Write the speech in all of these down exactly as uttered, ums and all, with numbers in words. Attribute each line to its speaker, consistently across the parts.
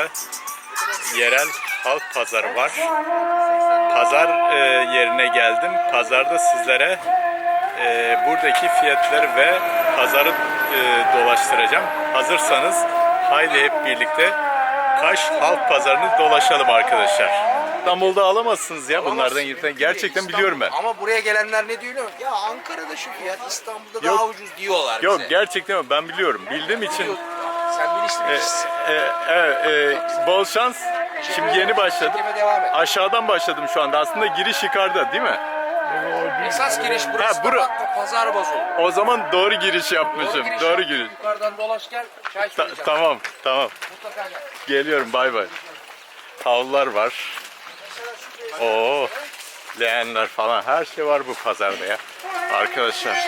Speaker 1: burada yerel halk pazarı var. Pazar e, yerine geldim. Pazarda sizlere e, buradaki fiyatları ve pazarı e, dolaştıracağım. Hazırsanız haydi hep birlikte Kaş Halk Pazarı'nı dolaşalım arkadaşlar. İstanbul'da alamazsınız ya bunlardan yırtan. Gerçekten
Speaker 2: İstanbul,
Speaker 1: biliyorum ben.
Speaker 2: Ama buraya gelenler ne diyor? Ya Ankara'da şu fiyat, İstanbul'da
Speaker 1: Yok.
Speaker 2: daha ucuz diyorlar
Speaker 1: Yok
Speaker 2: bize.
Speaker 1: gerçekten ben biliyorum. Bildiğim için
Speaker 2: Sen bilinçli
Speaker 1: e,
Speaker 2: birisin.
Speaker 1: e, e, e, bol şans. Şimdi yeni başladım.
Speaker 2: Çekime devam et.
Speaker 1: Aşağıdan başladım şu anda. Aslında giriş yukarıda değil mi?
Speaker 2: Esas giriş burası.
Speaker 1: Ha,
Speaker 2: Ha,
Speaker 1: bura-
Speaker 2: bakma pazar bozuldu.
Speaker 1: O zaman doğru giriş yapmışım.
Speaker 2: giriş
Speaker 1: Doğru
Speaker 2: yap.
Speaker 1: giriş.
Speaker 2: Yukarıdan dolaş gel. Çay
Speaker 1: Ta-
Speaker 2: söyleyeceğim.
Speaker 1: tamam, tamam.
Speaker 2: Mutlaka gel.
Speaker 1: Geliyorum. Bay bay. Havlular var. Oo, leğenler falan. Her şey var bu pazarda ya. Arkadaşlar.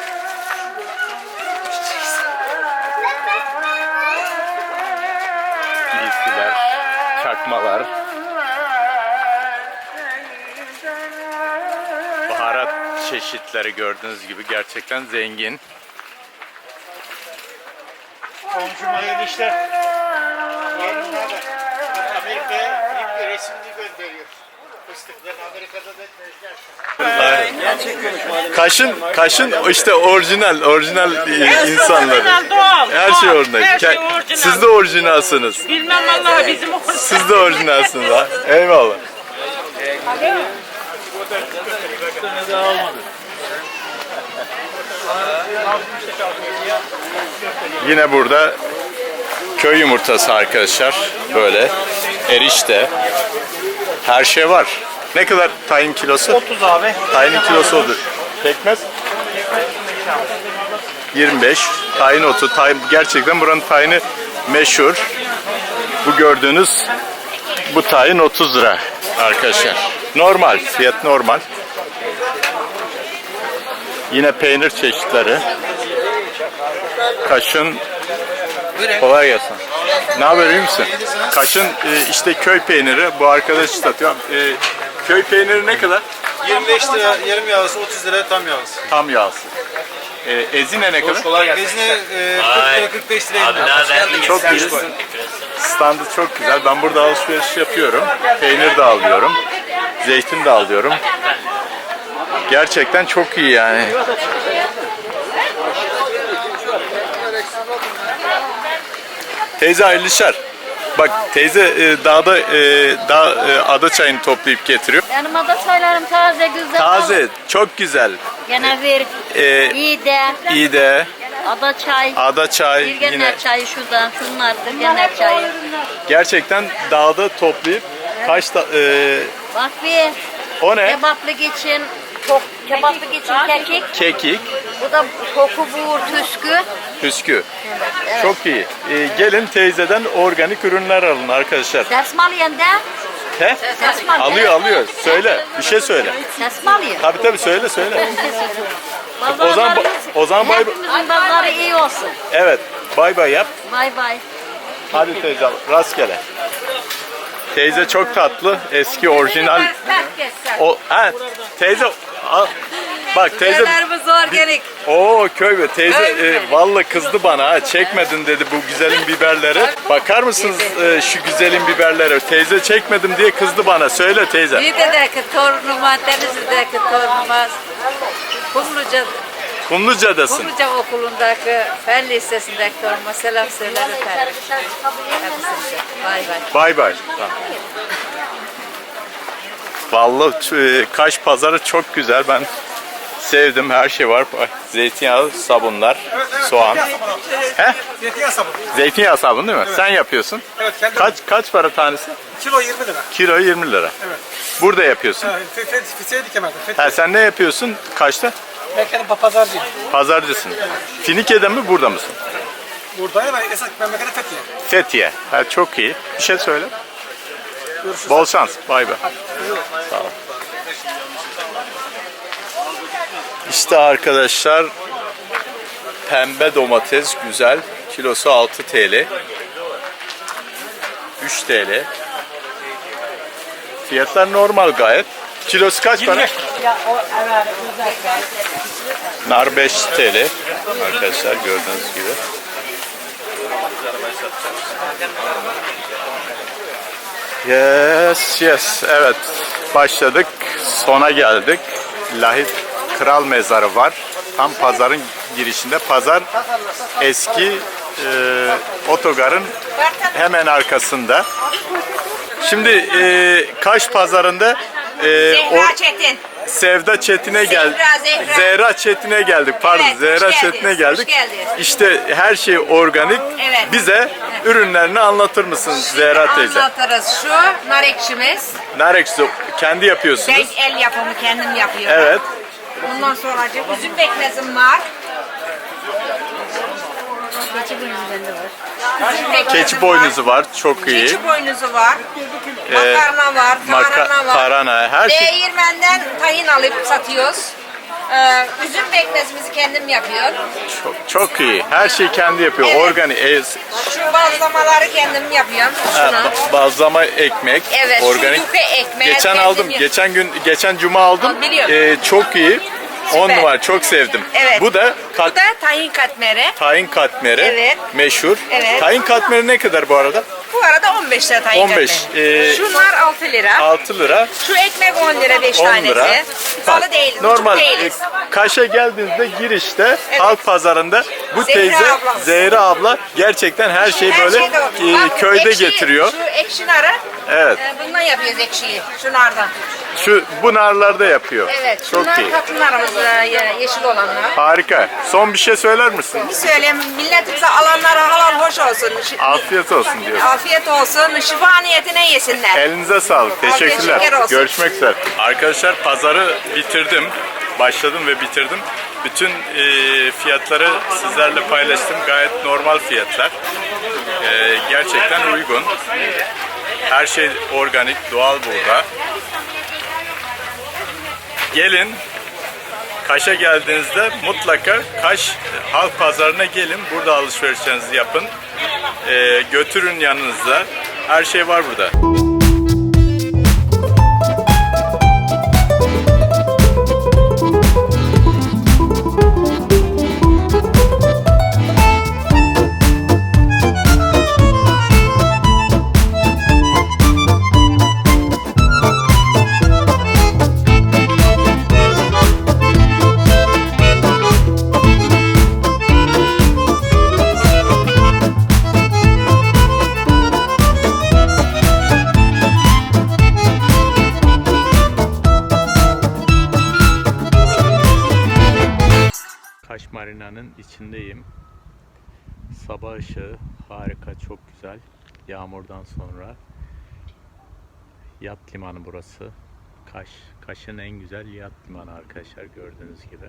Speaker 1: Giysiler, çakmalar. Baharat çeşitleri gördüğünüz gibi gerçekten zengin.
Speaker 3: Komşum hayırlı işler. Yeğenim ne haber? Amerika'ya ilk bir resimli gönderiyor. Fıstıkları Amerika'da da tezgah.
Speaker 1: Kaşın, kaşın işte orijinal, orijinal e, insanları.
Speaker 4: Orijinal, doğal.
Speaker 1: Her şey
Speaker 4: doğal.
Speaker 1: orijinal.
Speaker 4: Her şey
Speaker 1: Ke-
Speaker 4: orijinal.
Speaker 1: Siz de orijinalsınız.
Speaker 4: Bilmem vallahi bizim orijinal.
Speaker 1: Siz de orijinalsınız ha. Eyvallah. Yine burada köy yumurtası arkadaşlar. Böyle erişte. Her şey var. Ne kadar tayin kilosu?
Speaker 3: otuz abi.
Speaker 1: Tayinin kilosu odur. Pekmez? yirmi beş. Tayin otu. Tayin, gerçekten buranın tayini meşhur. Bu gördüğünüz bu tayin otuz lira arkadaşlar. Normal. Fiyat normal. Yine peynir çeşitleri. Kaşın. Kolay gelsin. Ne haber, iyi misin? Kaşın e, işte köy peyniri. Bu arkadaş satıyor. E, köy peyniri ne kadar?
Speaker 5: yirmi beş lira yarım yağlısı, otuz lira tam yağlısı.
Speaker 1: Tam yağsı. E, ezine ne kadar?
Speaker 5: Bezine e, kırk lira kırk beş lira.
Speaker 1: Çok güzel. Standı çok güzel. Ben burada alışveriş yapıyorum. Peynir de alıyorum. Zeytin de alıyorum. Gerçekten çok iyi yani. Teyze hayırlı işler. Bak teyze e, dağda e, dağ e, ada çayını toplayıp getiriyor.
Speaker 6: Benim ada çaylarım taze güzel.
Speaker 1: Taze, çok güzel.
Speaker 6: Gene bir
Speaker 1: E,
Speaker 6: iyi de
Speaker 1: iyi de
Speaker 6: ada çay.
Speaker 1: ada çay
Speaker 6: Bir gener
Speaker 1: yine
Speaker 6: çayı şuradan, şunlardır gener çayı.
Speaker 1: gerçekten dağda toplayıp kaç da, e,
Speaker 6: Bak bir
Speaker 1: o ne?
Speaker 6: kebaplık için, çok kebaplık için kekik.
Speaker 1: Kekik,
Speaker 6: Bu da koku buğur tüskü.
Speaker 1: püskü. Çok iyi. E, gelin teyzeden organik ürünler alın arkadaşlar.
Speaker 6: Ses mi alıyorsun de?
Speaker 1: He?
Speaker 6: Ses mi alıyorsun?
Speaker 1: Alıyor alıyor. Söyle. Bir şey söyle.
Speaker 6: Ses mi alıyorsun?
Speaker 1: Tabii tabii söyle söyle.
Speaker 6: Pazarlarımız-
Speaker 1: O zaman o zaman bay
Speaker 6: Hepimizin pazarı iyi olsun.
Speaker 1: evet. Bay bay yap.
Speaker 6: Bay bay.
Speaker 1: Hadi teyze rastgele. Teyze çok tatlı. Eski orijinal. O ha teyze al. Bak teyze
Speaker 6: Nelerimiz organik.
Speaker 1: Oo köy be teyze e, vallahi kızdı bana ha çekmedin dedi bu güzelin biberleri. Bakar mısınız e, şu güzelin biberleri? Teyze çekmedim diye kızdı bana. Söyle teyze.
Speaker 6: Niğde'deki torunuma, Denizli'deki torunuma, Kumluca,
Speaker 1: Kumluca'dasın.
Speaker 6: Kumluca okulundaki Fen Lisesi'ndeki torunuma selam söyler efendim. Hepsinize. Bay bay.
Speaker 1: Bay bay. Tamam. Vallahi e, Kaş pazarı çok güzel. Ben sevdim. Her şey var. Zeytinyağı, sabunlar, soğan. He?
Speaker 3: Zeytinyağı sabunu.
Speaker 1: Zeytinyağı sabunu değil mi? Sen yapıyorsun.
Speaker 3: Evet, kendim.
Speaker 1: Kaç kaç para tanesi?
Speaker 3: Kilo yirmi lira.
Speaker 1: Kilo yirmi lira.
Speaker 3: Evet.
Speaker 1: Burada yapıyorsun.
Speaker 3: Evet, Fethiye dikemezdim.
Speaker 1: Ha, sen ne yapıyorsun? Kaçta?
Speaker 3: Ben kendim pazarcıyım.
Speaker 1: Pazarcısın. Finike'de mi burada mısın?
Speaker 3: Buradayım ben esas memleketi Fethiye.
Speaker 1: Fethiye. Ha, çok iyi. Bir şey söyle.
Speaker 3: Görüşürüz.
Speaker 1: Bol şans. Bay bay. Sağ ol. İşte arkadaşlar pembe domates güzel. Kilosu altı TL. üç TL. Fiyatlar normal gayet. Kilosu kaç para? Nar beş TL. Arkadaşlar gördüğünüz gibi. Yes, yes. Evet. Başladık. Sona geldik. Lahit Kral Mezarı var. Tam pazarın girişinde. Pazar eski e, otogarın hemen arkasında. Şimdi e, Kaş pazarında e, o,
Speaker 6: Zehra Çetin.
Speaker 1: Sevda Çetin'e geldik.
Speaker 6: Zehra, Zehra.
Speaker 1: Zehra Çetin'e geldik. Pardon,
Speaker 6: Evet, hoş
Speaker 1: Zehra
Speaker 6: geldiniz,
Speaker 1: Çetin'e
Speaker 6: hoş
Speaker 1: geldik.
Speaker 6: geldiniz.
Speaker 1: İşte her şey organik.
Speaker 6: Evet.
Speaker 1: Bize ürünlerini anlatır mısın Zehra teyze?
Speaker 6: Anlatırız. Şu nar ekşimiz.
Speaker 1: Nar ekşisi kendi yapıyorsunuz.
Speaker 6: Ben el yapımı kendim yapıyorum.
Speaker 1: Evet.
Speaker 6: Ondan sonra üzüm pekmezim var. Keçi boynuzu bende var. Üzüm pekmezim
Speaker 1: Keçi boynuzu var. Çok iyi.
Speaker 6: Keçi boynuzu var. Makarna var.
Speaker 1: Maka-
Speaker 6: Tarhana var.
Speaker 1: tarhana, her şey.
Speaker 6: Değirmenden tahin alıp satıyoruz. Ee, üzüm pekmezimizi kendim yapıyorum.
Speaker 1: Çok, çok iyi. Her şeyi kendi yapıyor.
Speaker 6: Evet.
Speaker 1: Organik. E,
Speaker 6: Şu bazlamaları kendim yapıyorum.
Speaker 1: ha,
Speaker 6: Şunu.
Speaker 1: ba- bazlama ekmek.
Speaker 6: Evet, şu
Speaker 1: Organik.
Speaker 6: yufe ekmeği
Speaker 1: Geçen
Speaker 6: kendim
Speaker 1: aldım.
Speaker 6: yap-
Speaker 1: Geçen gün, geçen cuma aldım.
Speaker 6: Ha, biliyorum.
Speaker 1: E, çok iyi. On
Speaker 6: Süper.
Speaker 1: numara. Çok sevdim.
Speaker 6: Evet.
Speaker 1: Bu da kat,
Speaker 6: Bu da tahin katmeri.
Speaker 1: tahin katmeri.
Speaker 6: Evet.
Speaker 1: Meşhur.
Speaker 6: Evet.
Speaker 1: Tahin katmeri ne kadar bu arada?
Speaker 6: Bu arada on beş lira tahin
Speaker 1: on beş,
Speaker 6: katmeri.
Speaker 1: ee,
Speaker 6: Şunlar altı lira.
Speaker 1: altı lira.
Speaker 6: Şu ekmek on lira beş
Speaker 1: on
Speaker 6: tanesi.
Speaker 1: lira.
Speaker 6: Pahalı değil.
Speaker 1: Normal
Speaker 6: ucuz
Speaker 1: e,
Speaker 6: değiliz.
Speaker 1: Kaş'a geldiğinizde girişte
Speaker 6: Evet.
Speaker 1: halk pazarında bu
Speaker 6: Zehra
Speaker 1: teyze
Speaker 6: abla.
Speaker 1: Zehra abla gerçekten her şeyi
Speaker 6: Her
Speaker 1: böyle
Speaker 6: şey de var.
Speaker 1: e,
Speaker 6: Bak,
Speaker 1: köyde
Speaker 6: ekşi-
Speaker 1: getiriyor.
Speaker 6: Şu ekşi narı.
Speaker 1: Evet.
Speaker 6: e, bundan yapıyoruz ekşiyi. Şunlardan.
Speaker 1: Şu bu narlarda yapıyor.
Speaker 6: Evet.
Speaker 1: Çok
Speaker 6: Şunlar
Speaker 1: iyi.
Speaker 6: tatlı narımız e, ye- yeşil olanlar.
Speaker 1: Harika. Son bir şey söyler misin?
Speaker 6: Bir söyleyeyim. Milletimize alanlara halal hoş olsun. Ş-
Speaker 1: Afiyet olsun diyorsun.
Speaker 6: Afiyet olsun. Şifa niyetine yesinler.
Speaker 1: Elinize sağlık. Teşekkürler.
Speaker 6: şeker olsun.
Speaker 1: Görüşmek üzere. Arkadaşlar pazarı bitirdim. Başladım ve bitirdim. Bütün e, fiyatları sizlerle paylaştım. Gayet normal fiyatlar. E, gerçekten uygun. Her şey organik, doğal burada. Gelin. Kaş'a geldiğinizde mutlaka Kaş Halk Pazarı'na gelin. Burada alışverişlerinizi yapın. E, götürün yanınızda. Her şey var burada. Kaş Marina'nın içindeyim. Sabah ışığı harika, çok güzel. Yağmurdan sonra. Yat limanı burası. Kaş, Kaş'ın en güzel yat limanı arkadaşlar, gördüğünüz gibi.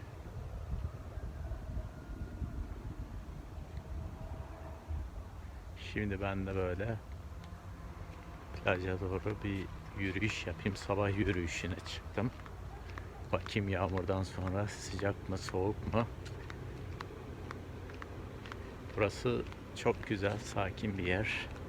Speaker 1: Şimdi ben de böyle plaja doğru bir yürüyüş yapayım. Sabah yürüyüşüne çıktım. Bakayım yağmurdan sonra sıcak mı soğuk mu? Burası çok güzel, sakin bir yer.